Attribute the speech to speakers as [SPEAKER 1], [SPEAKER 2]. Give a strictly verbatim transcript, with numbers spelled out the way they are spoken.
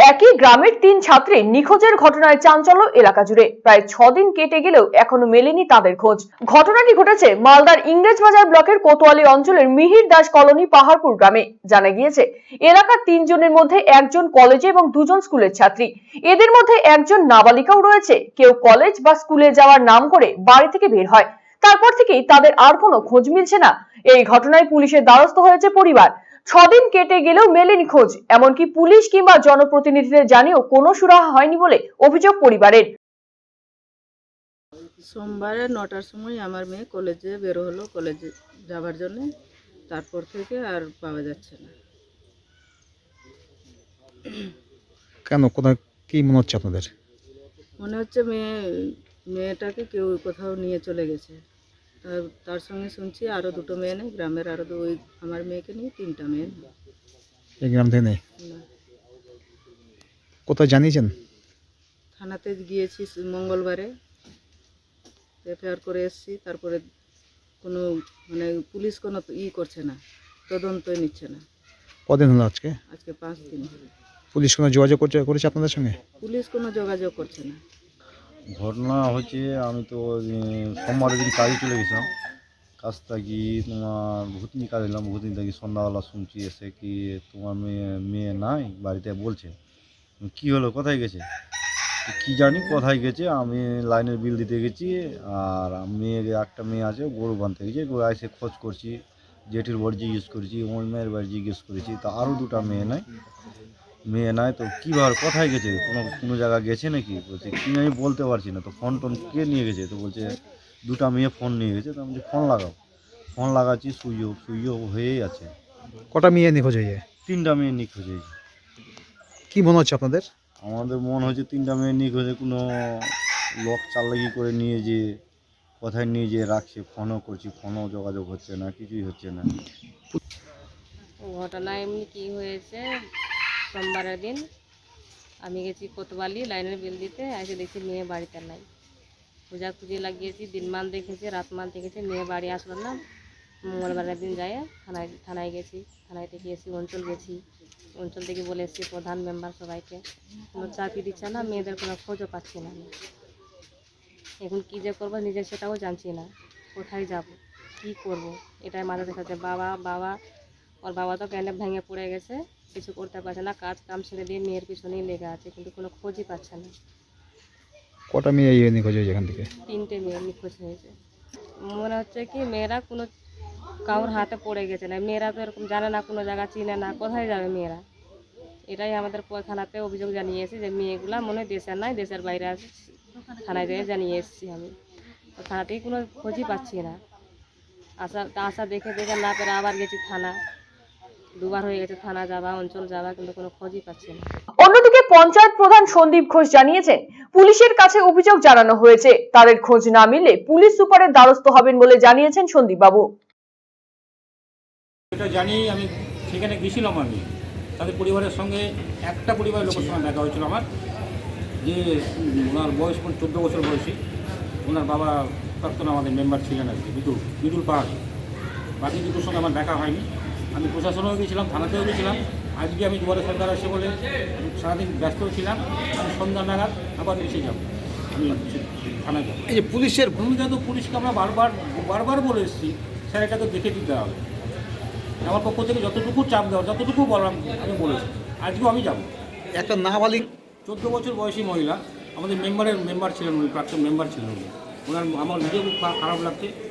[SPEAKER 1] একই গ্রামের তিন ছাত্রী নিখোঁজের ঘটনায় চাঞ্চল্য এলাকা জুড়ে। প্রায় ছদিন কেটে গেলেও এখনো মেলেনি তাদের খোঁজ। ঘটনাটি ঘটেছে মালদার ইংরেজবাজার ব্লকের কোতোয়ালি অঞ্চলের মিহির দাস কলোনি পাহাড়পুর গ্রামে। জানা গিয়েছে, এলাকার তিনজনের মধ্যে একজন কলেজে এবং দুজন স্কুলের ছাত্রী। এদের মধ্যে একজন নাবালিকাও রয়েছে। কেউ কলেজ বা স্কুলে যাওয়ার নাম করে বাড়ি থেকে বের হয়, তারপর থেকেই তাদের আর কোনো খোঁজ মিলছে না। এই ঘটনায় পুলিশের দ্বারস্থ হয়েছে পরিবার। ছদিন কেটে গেলেও মেলেনি খোঁজ। এমনকি পুলিশ কিংবা জনপ্রতিনিধিদের জানিয়েও কোনো সুরাহা হয়নি বলে অভিযোগ পরিবারের।
[SPEAKER 2] সোমবারে নটার সময় আমার মেয়ে কলেজে বের হলো কলেজে যাবার জন্য, তারপর থেকে আর পাওয়া যাচ্ছে না।
[SPEAKER 3] কেন, কোথায় কি মনে হচ্ছে আপনাদের?
[SPEAKER 2] মনে হচ্ছে মেয়ে মেয়েটাকে কেউ কোথাও নিয়ে চলে গেছে। তার- তার সঙ্গে শুনছি আরও দুটো মেয়ে নেই, গ্রামের আরও ওই আমার মেয়েকে নিয়ে তিনটা মেয়ে নেই।
[SPEAKER 3] এই গ্রাম থেকে নেই?
[SPEAKER 2] না,
[SPEAKER 3] কোথায় জানিয়েছেন?
[SPEAKER 2] থানাতে গিয়েছি মঙ্গলবারে, এফআইআর করে এসেছি। তারপরে কোনো মানে পুলিশ কোনো ই করছে না, তদন্তই নিচ্ছে না।
[SPEAKER 3] কদিন হলো আজকে?
[SPEAKER 2] আজকে পাঁচ দিন হলো।
[SPEAKER 3] পুলিশ কোনো যোগাযোগ করছে করেছে আপনাদের সঙ্গে?
[SPEAKER 2] পুলিশ কোনো যোগাযোগ করছে না।
[SPEAKER 4] ঘটনা হচ্ছে, আমি তো সোমবারের দিন কাজে চলে গেছিলাম। কাজ থাকি তোমার ভূতনি কাজ এলাম, ভূতনি থাকি সন্ধ্যাবেলা শুনছি এসে কি তোমার মেয়ে মেয়ে নাই বাড়িতে বলছে। কি হলো, কোথায় গেছে কি জানি, কোথায় গেছে। আমি লাইনের বিল দিতে গেছি, আর মেয়ে একটা মেয়ে আছে গরু বাঁধতে গেছে, গরু এসে খোঁজ করছি, জেঠির বাড়ি জিজ্ঞেস করেছি, ওই মেয়ের বাড়ি জিজ্ঞেস করেছি, তা আরও দুটো মেয়ে নাই মেয়ে নাই তো কীভাবে কোথায় গেছে, কোনো কোনো জায়গায় গেছে নাকি? বলছে কি আমি বলতে পারছি না। তো ফোন টোন কে নিয়ে গেছে? তো বলছে দুটা মেয়ে ফোন নিয়ে গেছে। তো আমি বলছি ফোন লাগাও। ফোন লাগাচ্ছি, সুইচ অফ সুইচ অফ হয়েই আছে।
[SPEAKER 3] কটা মেয়ে নিখোঁজ হয়ে যায়?
[SPEAKER 4] তিনটা মেয়ে নিখোঁজ হয়েছে।
[SPEAKER 3] কি মনে হচ্ছে আপনাদের?
[SPEAKER 4] আমাদের মনে হচ্ছে তিনটা মেয়ে নিখোঁজে কোনো লোক চালাকি করে নিয়ে যে কোথায় নিয়ে যেয়ে রাখছে। ফোনও করছি, ফোনও যোগাযোগ হচ্ছে না, কিছুই হচ্ছে না।
[SPEAKER 5] ঘটনা এমনি কী হয়েছে, সোমবারের দিন আমি গেছি কোতোয়ালি লাইনের বিল দিতে, এসে দেখছি মেয়ে বাড়িতে নাই। খোঁজাখুঁজি লাগিয়েছি, দিনমান দেখেছি, রাতমান দেখেছি, মেয়ে বাড়ি আসলো না। মঙ্গলবারের দিন যাই থানায় থানায় গেছি, থানায় থেকে এসি অঞ্চল গেছি, অঞ্চল থেকে বলে এসেছি প্রধান মেম্বার সবাইকে, কোনো চাকরি দিচ্ছে না, মেয়েদের কোনো খোঁজও পাচ্ছি না। আমি এখন কী যে করবো নিজে সেটাও জানছি না, কোথায় যাব, কি করব, এটাই মাথা দেখাচ্ছে। বাবা বাবা ওর বাবা তো প্যান্ডে ভেঙে পড়ে গেছে, কিছু করতে পারছে না, কাজ কাম ছেড়ে দিয়ে মেয়ের পিছনেই লেগে আছে, কিন্তু কোনো খোঁজই পাচ্ছে না।
[SPEAKER 3] কটা মেয়ে ইয়ে নিখোঁজ হয়েছে এখান থেকে?
[SPEAKER 5] তিনটে মেয়ে নিখোঁজ হয়েছে। মনে হচ্ছে কি মেয়েরা কোনো কারোর হাতে পড়ে গেছে না। মেয়েরা তো এরকম জানে না, কোনো জায়গা চিনে না, কোথায় যাবে মেয়েরা? এটাই আমাদের থানাতে অভিযোগ জানিয়েছি যে মেয়েগুলা মনে হয় দেশের নাই, দেশের বাইরে আছে। থানায় যেয়ে জানিয়ে এসেছি আমি, তো থানা থেকে কোনো খোঁজই পাচ্ছি না। আশা আশা দেখে দেখে না পেরে আবার গেছি থানা, দুবার হয়ে গেছে থানা যাওয়া, অঞ্চল যাওয়া, কিন্তু কোনো খোঁজই পাচ্ছি না।
[SPEAKER 1] অন্যদিকে পঞ্চায়েত প্রধান সন্দীপ ঘোষ জানিয়েছেন, পুলিশের কাছে অভিযোগ জানানো হয়েছে, তাদের খোঁজ না মিললে পুলিশ সুপারের দ্বারস্থ হবেন বলে জানিয়েছেন সন্দীপ বাবু।
[SPEAKER 6] এটা জানি, আমি সেখানে গেছিলাম। আমি তাদের পরিবারের সঙ্গে, একটা পরিবারের লোকের সঙ্গে দেখা হয়েছিল আমার, যে ওনার বয়স চোদ্দো বছর বয়সী, ওনার বাবা প্রাক্তন আমাদের মেম্বার ছিলেন আর কি, বিদুল বিদুল পাহাড়। বাকি দুটোর সঙ্গে আমার দেখা হয়নি। আমি প্রশাসনেও গেছিলাম, থানাতেও গেছিলাম। আজকে আমি দুবারে সরকার আসে বলে সারাদিন ব্যস্ত ছিলাম। আমি সন্ধ্যা নাগাদ আবার এসে যাব, আমি থানায় যাবো।
[SPEAKER 3] এই যে পুলিশের
[SPEAKER 6] ভূমিকা তো পুলিশকে আমরা বারবার বারবার বলে এসেছি, স্যার এটাকে দেখে দিতে হবে। আমার পক্ষ থেকে যতটুকু চাপ দেওয়ার, যতটুকু বললাম আমি বলেছি। আজকেও আমি যাব।
[SPEAKER 3] একটা নাবালিক
[SPEAKER 6] চোদ্দো বছর বয়সী মহিলা, আমাদের মেম্বারের মেম্বার ছিলেন উনি, প্রাক্তন মেম্বার ছিলেন উনি। ওনার আমার নিজেও খুব খারাপ লাগছে।